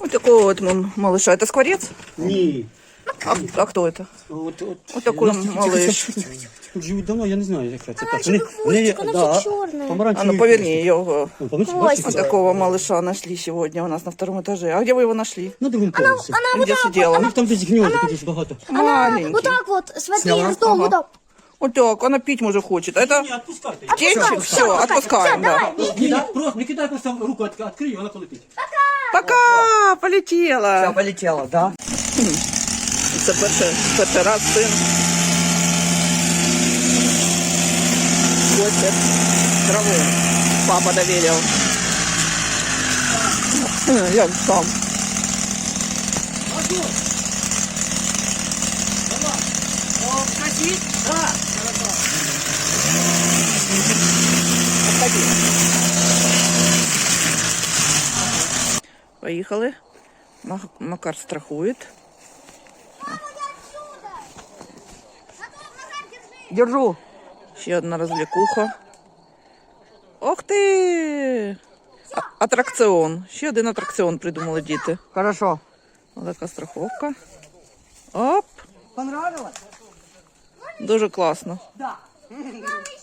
Вот такого вот малыша. Это скворец? Ні. А кто это? Вот такой малыш. Тут живуть давно, я не знаю, яка це. Помаранчевый хвостик, она вся черная. А ну поверни его. Вот Хвостик. такого малыша нашли сегодня у нас на втором этаже. А где вы его нашли? На другому поверсі. Где сидела? У них там десь гнізда, тут дуже багато. Маленький. Вот так вот, смотри, Сняла? ртом, Ага. вот так. Вот так, она пить уже хочет. А это Ні, відпускайте. птенчик? Все, отпускаем, да. Не кидай просто руку, відкрий, вона полетить. Пока, полетела. Все, полетела, да? Це перший раз син косить траву. Папа доверил. Як сам. Поїхали. Макар страхует. Держу. Ще одна розвлікуха. Ох ти! Атракціон. Ще один атракціон придумали діти. Хорошо. Ось така страховка. Оп! Понравилось? Дуже класно. Да.